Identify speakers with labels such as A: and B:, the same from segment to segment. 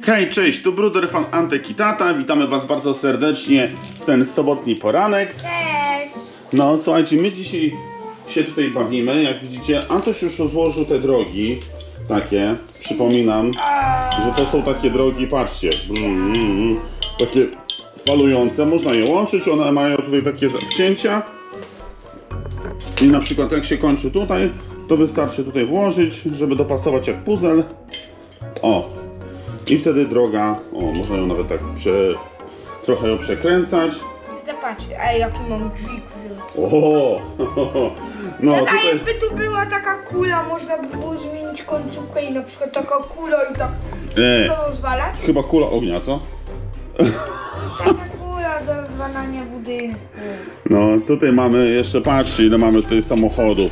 A: Hej, cześć, tu Bruder Fan Antek i Tata. Witamy Was bardzo serdecznie w ten sobotni poranek.
B: Cześć!
A: No, słuchajcie, my dzisiaj się tutaj bawimy. Jak widzicie, Antoś już rozłożył te drogi. Takie, przypominam, że to są takie drogi, patrzcie. Takie falujące, można je łączyć, one mają tutaj takie wcięcia. I na przykład jak się kończy tutaj, to wystarczy tutaj włożyć, żeby dopasować jak puzzle. O! I wtedy droga, można ją nawet tak trochę ją przekręcać.
B: Zobacz, ej, jaki mam dźwig wielki.
A: O! No
B: Tata,
A: tutaj...
B: jakby tu była taka kula, można by było zmienić końcówkę i na przykład taka kula i tak to rozwalać.
A: Chyba kula ognia, co?
B: Taka kula do rozwalania budynku.
A: No tutaj mamy jeszcze, patrzcie ile mamy tutaj samochodów.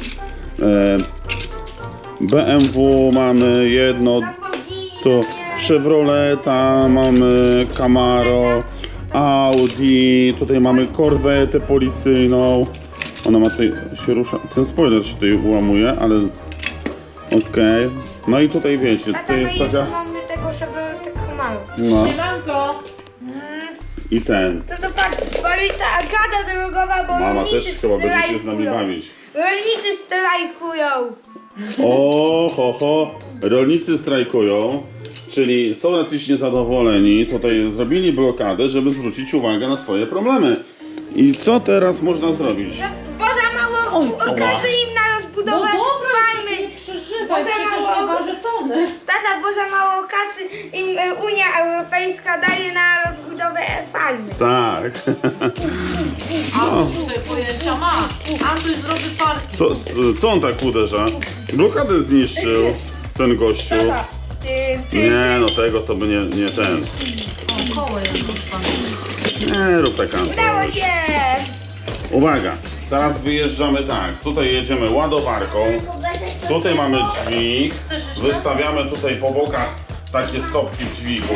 A: BMW mamy jedno,
B: Lamborghini,
A: tu Chevroleta, mamy Camaro, Audi, tutaj mamy korwetę policyjną. Ona ma tutaj, się rusza, ten spoiler się tutaj ułamuje, ale okej. No i tutaj wiecie,
B: Tata,
A: tutaj
B: my
A: jest
B: jeszcze
A: taka,
B: mamy tego, żeby tak mało.
A: no
C: Siemanko!
A: i ten.
B: To patrz, policja, agata drogowa, bo
A: Mama
B: rolnicy
A: też chyba będzie się z nami
B: strajkują.
A: bawić.
B: Rolnicy strajkują.
A: O, ho, rolnicy strajkują, czyli są jacyś niezadowoleni, tutaj zrobili blokadę, żeby zwrócić uwagę na swoje problemy. I co teraz można zrobić?
B: No, bo za mało
C: Oj,
B: kasy im na
C: No
B: rozbudowę
C: dobra,
B: farmy.
C: nie przeżywaj,
B: Za
C: przecież
B: mało-
C: nie waży tony.
B: Tata, bo za mało kasy im Unia Europejska daje na rozbudowę farmy.
A: Tak.
C: A tutaj pojęcia ma. Antoś zrobi parki.
A: Co on tak uderza? Blokadę zniszczył ten gościu.
B: Tata,
A: Nie, no tego to by nie ten.
C: O, koło jest pan.
A: Nie rób tak,
B: udało
A: Antoś.
B: się.
A: Uwaga, teraz wyjeżdżamy tak. Tutaj jedziemy ładowarką. Tutaj mamy dźwig. Wystawiamy tutaj po bokach takie stopki w dźwigu.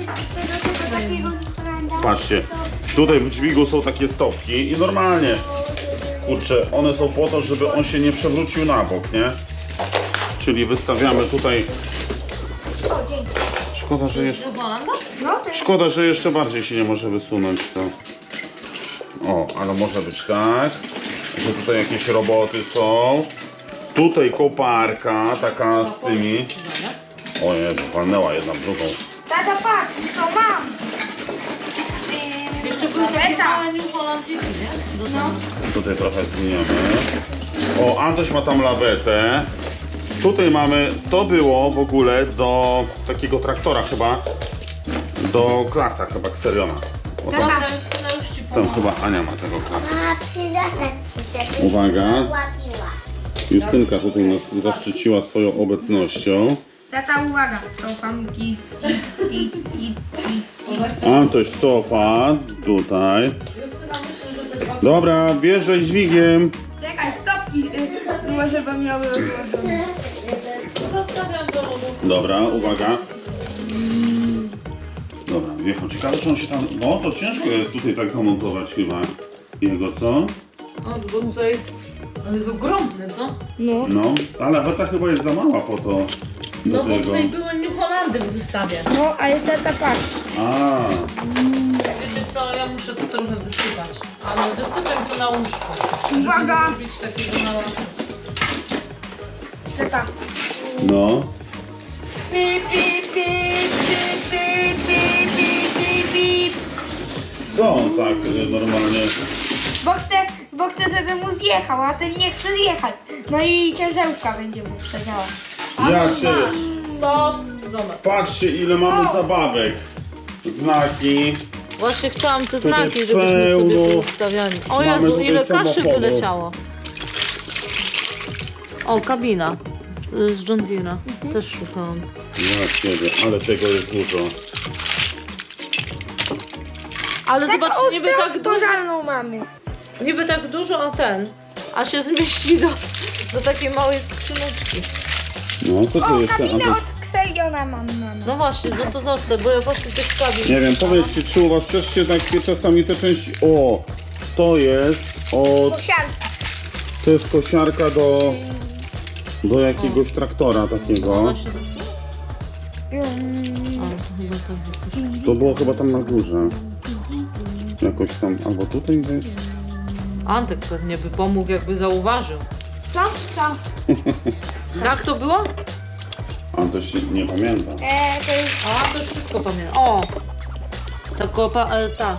A: Patrzcie, tutaj w dźwigu są takie stopki i normalnie, kurczę, one są po to, żeby on się nie przewrócił na bok, nie? Czyli wystawiamy tutaj,
B: O, dzięki.
A: szkoda, że jeszcze,
C: Holanda?
B: No, to jest
A: szkoda, że jeszcze bardziej się nie może wysunąć to. O, ale może być tak, że tutaj jakieś roboty są. Tutaj koparka, taka z tymi. O Jezu, walnęła jedna w drugą.
B: tata, patrz, co mam.
C: Jeszcze były takie
B: Laweta.
C: małe New Hollandczyki, nie? Do tego.
A: Tutaj trochę zmieniamy. O, Antoś ma tam lawetę. Tutaj mamy, to było w ogóle do takiego traktora chyba, do klasa chyba Xeriona. O, tam,
C: Dobra, Justyna już ci
A: tam
C: pomogę.
A: chyba Ania ma tego klasa.
D: A przyniosę ci się,
A: Uwaga.
D: łapiła.
A: Justynka tutaj nas zaszczyciła swoją obecnością.
B: Tata, uwaga, cofam i.
A: Antoś cofa tutaj.
C: Justyna myśli, że te dwa...
A: Dobra, wjeżdżaj dźwigiem.
B: Czekaj, stopki złożę, bo miały rozłożone.
C: Zostawiam do lodu.
A: Dobra, uwaga. Dobra, wjechał. Ciekawe, czy on się tam... No, to ciężko jest tutaj tak zamontować chyba. Jego, co?
C: O, bo tutaj... On jest ogromny, co?
B: No.
A: No, ta laweta chyba jest za mała po to. Do
C: No bo
A: tego.
C: tutaj były New Holandy w zestawie.
B: No, ale tata, patrz.
A: A,
C: Wiecie co, ja muszę to trochę wysypać. Ale wysypiam to na łóżko.
B: Uwaga.
C: Żeby nie robić takiego mała...
B: Tata.
A: no.
B: Pip, pip, pip, pip, pip, pip, pip, pip, pip.
A: Co on tak normalnie...
B: Bo chcę, żeby mu zjechał, a ten nie chce zjechać. No i ciężarówka będzie mu przedziała.
A: Ja
C: Antoś,
A: się...
C: masz. Stop. Zobacz.
A: Patrzcie, ile mamy zabawek. Znaki.
C: Właśnie chciałam te
A: Tutaj
C: znaki, żebyśmy sobie
A: pełno.
C: tu ustawiali. O
A: Mamy
C: Jezu,
A: tutaj
C: ile kaszy
A: samochodów.
C: wyleciało. O, kabina z John Deere'a. Też szukałam.
A: Ja ciebie, ale tego jest dużo.
C: Ale zobaczcie, niby tak dużo,
B: pożarną mamy.
C: niby tak dużo, a się zmieści do takiej małej skrzyneczki.
A: No, co tu
B: O,
A: jeszcze?
B: kabinę
A: Antoś?
B: od Xeriona mam.
C: No właśnie, no to zostaw, bo ja właśnie tych kabin.
A: Nie wiem, powiedzcie, czy u was też się takie czasami te części... O, to jest od...
B: Kosiarka.
A: To jest kosiarka do jakiegoś traktora takiego.
C: Ona się zepsuła? chyba tam jakoś.
A: To było chyba tam na górze. Jakoś tam, albo tutaj gdzieś.
C: Antek pewnie by pomógł, jakby zauważył.
B: Co? Co?
C: Jak to było?
A: Antoś nie pamięta.
B: To jest...
C: A, to już wszystko pamiętam. O! Ta kopa, ta.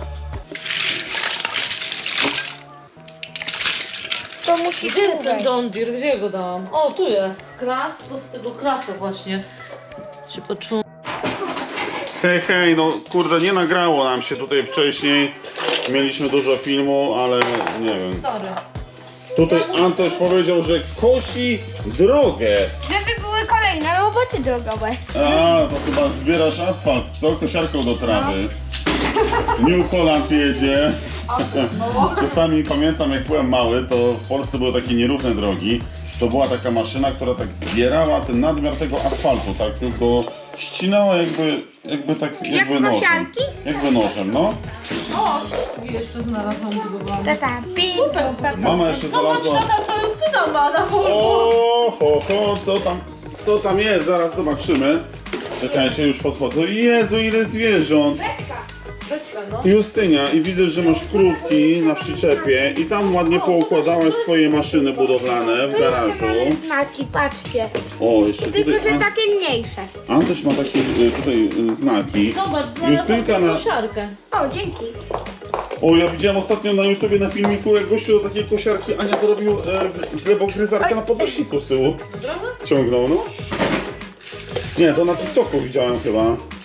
B: To musi
C: Gdzie jest
B: tu
C: ten
B: wejść.
C: John Deere? Gdzie go dałam? O, tu jest. Kras, to z tego krasa właśnie się poczułam.
A: Hej, hej, no kurde, nie nagrało nam się tutaj wcześniej. Mieliśmy dużo filmu, ale nie wiem.
C: Sorry.
A: Tutaj Antoś powiedział, że kosi drogę.
B: Żeby były kolejne roboty drogowe.
A: A, to chyba zbierasz asfalt, co? Kosiarką do trawy. New Holland jedzie. Czasami pamiętam, jak byłem mały, to w Polsce były takie nierówne drogi. To była taka maszyna, która tak zbierała ten nadmiar tego asfaltu, tak tylko ścinała jakby nożem.
B: kosiarki?
A: Jakby nożem, no.
C: O, i jeszcze znalazłam budowlaną.
B: Taka
C: Super.
A: Mama jeszcze
C: Zobacz,
A: znalazła.
C: tata, co Justyna ma na Volvo.
A: O, ho, co tam jest? Zaraz zobaczymy. Czekajcie, już podchodzę. Jezu, ile zwierząt.
C: Beczka, no.
A: Justynia, i widzę, że masz krówki na przyczepie i tam ładnie poukładałaś swoje maszyny budowlane w garażu.
B: znaki, patrzcie.
A: O, jeszcze
B: Tylko,
A: tutaj
B: że takie mniejsze.
A: Antoś ma takie tutaj znaki.
C: Zobacz, znalazłam
A: Justynka na...
C: kosiarkę.
B: O, dzięki.
A: O, ja widziałem ostatnio na YouTubie na filmiku, jak gościu do takiej kosiarki Ania dorobił glebogryzarkę na podnośniku z tyłu.
C: Prawda?
A: Ciągnął, no. Nie, to na TikToku widziałem chyba.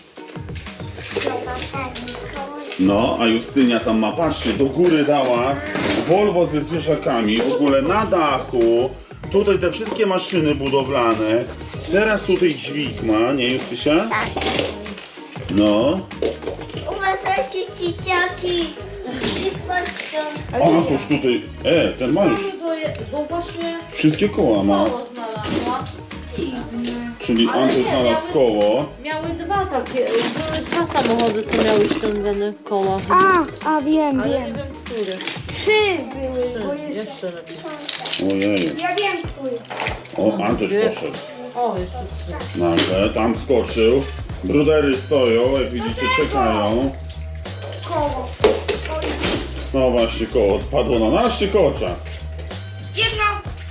A: No, a Justynia tam ma, patrzcie, do góry dała Volvo ze zwierzakami, w ogóle na dachu. Tutaj te wszystkie maszyny budowlane. Teraz tutaj dźwig ma, nie Justysia?
D: Tak.
A: No.
D: Uważajcie, dzieciaki. I patrzą.
A: O, to już tutaj, ten ma już
C: Bo właśnie
A: wszystkie koła ma.
C: koło znalazła.
A: Czyli
C: Ale
A: Antoś
C: nie,
A: znalazł
C: miały-
A: koło.
C: Miały dwa takie, były dwa samochody, co miały ściągane koła.
B: Wiem,
C: Ale nie wiem, który.
B: 3 były, bo jeszcze...
C: Jeszcze lepiej.
A: Ojej.
B: Ja wiem, który.
A: O, Antoś poszedł.
C: O, jeszcze trzy.
A: Nagle, tam skoczył. Brudery stoją, jak widzicie, czekają.
B: Koło.
A: No właśnie, koło odpadło na naszych oczach.
B: Jedno...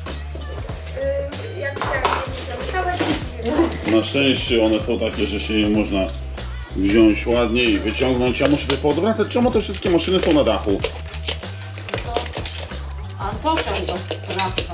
B: jak chciałem,
A: Na szczęście one są takie, że się je można wziąć ładnie i wyciągnąć. Ja muszę tutaj poodwracać, czemu te wszystkie maszyny są na dachu?
C: Antosia chyba sprawdza.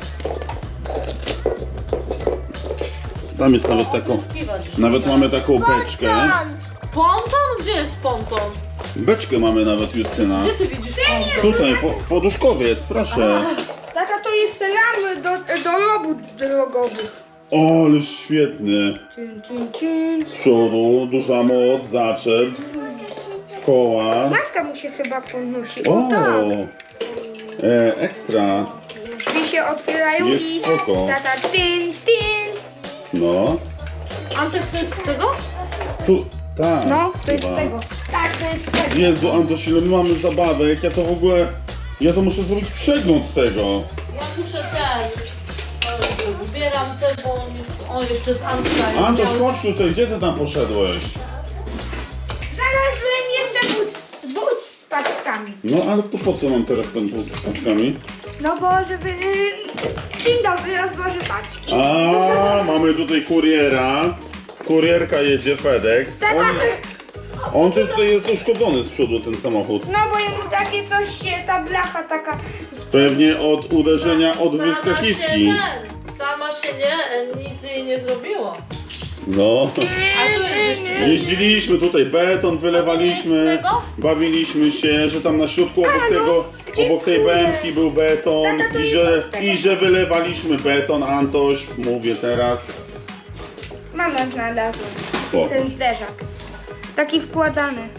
A: Tam jest nawet taką, nawet mamy taką beczkę.
C: Ponton? Gdzie jest ponton?
A: Beczkę mamy nawet, Justyna.
C: Gdzie ty widzisz ponton?
A: Tutaj, poduszkowiec, proszę.
B: Tata, to jest ramy do robót drogowych.
A: O, ale świetny.
B: Cin.
A: Z przodu, duża moc, zaczep, koła.
B: Maska mu się chyba podnosi.
A: O,
B: O tak.
A: Ekstra.
B: Drzwi się otwierają
A: Jest
B: i...
A: spoko.
B: Tata, tin.
A: No,
C: Antek, to jest z tego?
A: tu, tak.
B: No, to jest z
A: chyba.
B: tego. Tak, to jest z tego.
A: Jezu, Antoś, ile my mamy zabawek, ja to w ogóle, ja to muszę zrobić przegląd tego.
C: Ja muszę zbieram te, bo... O, jeszcze z Antka.
A: Antoś, chodź tutaj, gdzie ty tam poszedłeś?
B: Znalazłem jeszcze but z paczkami.
A: No, ale to po co mam teraz ten wóz z paczkami?
B: No bo żeby... Dzień dobry, rozłożę paczki.
A: A, mamy tutaj kuriera. Kurierka jedzie, FedEx.
B: Tata,
A: On coś tutaj jest uszkodzony z przodu, ten samochód.
B: no bo jemu takie coś się, ta blacha taka...
A: Pewnie od uderzenia od
C: Sama się
A: wyskakiwki.
C: Sama się nic jej nie zrobiło.
A: No.
C: A tu jest jeszcze...
A: Jeździliśmy tutaj, beton wylewaliśmy,
C: To nie jest z tego?
A: bawiliśmy się, że tam na środku obok tej bębki był beton
B: Tata, to
A: i że wylewaliśmy beton, Antoś, mówię teraz.
B: Mama znalazła
A: Spoko.
B: ten zderzak. Taki wkładany.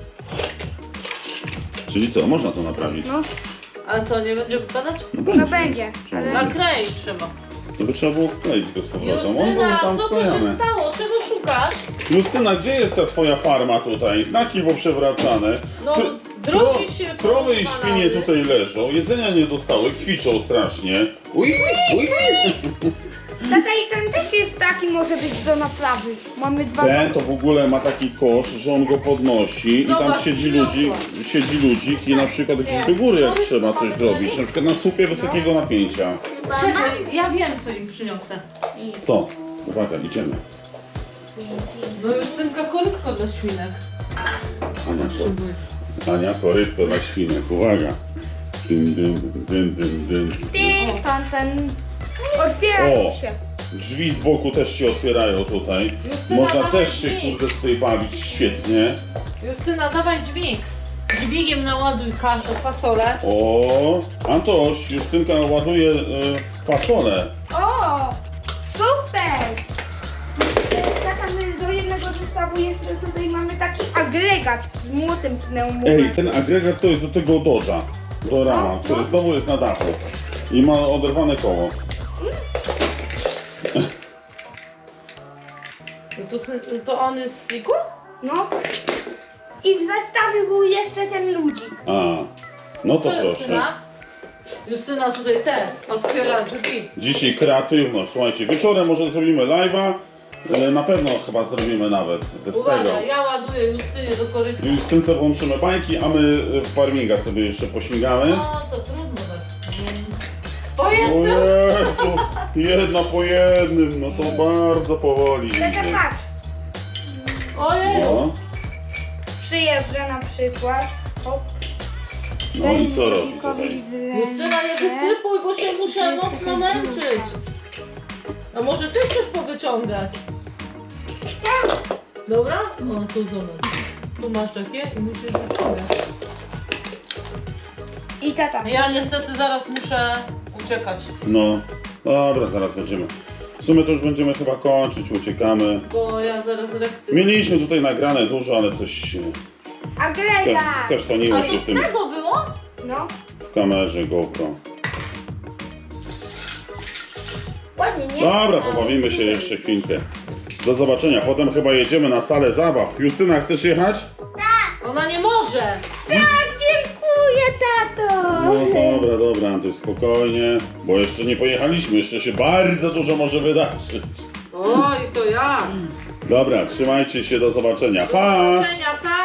A: Czyli co, można to naprawić?
B: No,
C: A co, nie będzie wypadać?
B: no będzie.
A: Czemu?
B: Ale...
C: Naklej trzeba.
A: To by trzeba było wkleić go z powrotem. On był
C: Justyna,
A: tam
C: co tu się
A: wklejany.
C: stało? Czego szukasz?
A: Justyna, gdzie jest ta twoja farma tutaj? Znaki poprzewracane.
C: No, drogi się
A: Krowy i
C: porozwalały.
A: świnie tutaj leżą, jedzenia nie dostały, kwiczą strasznie. Ui, ui.
B: Tata, i ten też jest taki, może być do naprawy. Mamy dwa.
A: Ten to w ogóle ma taki kosz, że on go podnosi i tam
C: Zobacz,
A: siedzi
C: przyniosła.
A: ludzik i na przykład gdzieś do góry jak trzeba coś zrobić, na przykład na słupie wysokiego napięcia.
C: Czekaj, ja wiem co im przyniosę.
A: Co? Uwaga, idziemy.
C: No Justynka korytko dla świnek.
A: Ania, korytko dla świnek, uwaga. Dym, dym, dym, dym, dym.
B: Ten. Otwierają
A: O!
B: się.
A: Drzwi z boku też się otwierają tutaj.
C: Justyna,
A: Można
C: dawaj
A: też się
C: dźwig.
A: kurde tutaj bawić świetnie.
C: Justyna, dawaj dźwig. Dźwigiem naładuj fasolę.
A: O! Antoś, Justynka ładuje fasolę.
B: O! Super! Tata, my do jednego zestawu jeszcze tutaj mamy taki agregat z młotem pneumowym.
A: Ej, ten agregat to jest do tego Dodge'a, do rama, który znowu jest na dachu i ma oderwane koło.
C: To on jest z Siku?
B: No. I w zestawie był jeszcze ten ludzik.
A: A, no to
C: Co
A: proszę.
C: Justyna? Justyna tutaj otwiera drzwi.
A: Dzisiaj kreatywność, słuchajcie, wieczorem może zrobimy live'a, na pewno chyba zrobimy nawet bez tego.
C: Uwaga, ja ładuję Justynie do korytka.
A: Justynce włączymy bajki, a my farminga sobie jeszcze pośmigamy.
C: No to trudno tak.
A: O
C: Pojęty!
A: Jezu, jedna po jednym, no to bardzo powoli
B: Tata,
A: idzie.
B: patrz.
C: Ojej!
A: No,
B: Przyjeżdża na przykład. Hop.
A: no i co robi
B: Ludzikowi
A: tutaj?
B: w ręce.
C: Justyna, nie wysypuj, bo się muszę mocno męczyć. A może ty chcesz powyciągać? Dobra? No tu zobacz. Tu masz takie i musisz wyciągać.
B: I tata.
C: Ja niestety zaraz muszę uciekać,
A: No, dobra, zaraz będziemy. W sumie to już będziemy chyba kończyć, uciekamy.
C: bo ja zaraz lekcję...
A: Mieliśmy tutaj nagrane dużo, ale coś
B: Agregat.
A: skasztaniło
C: A
A: się
C: to
A: w
C: z
A: tym
C: tego było?
B: No.
A: w kamerze GoPro.
D: Ładnie, nie?
A: Dobra, pobawimy się jeszcze chwilkę. Do zobaczenia, potem chyba jedziemy na salę zabaw. Justyna, chcesz jechać?
C: Ona nie może!
B: Tak, dziękuję, tato.
A: No dobra, Antoś, spokojnie, bo jeszcze nie pojechaliśmy, jeszcze się bardzo dużo może wydarzyć.
C: Oj, to ja!
A: Dobra, trzymajcie się, do zobaczenia. Pa!
C: Do zobaczenia, pa!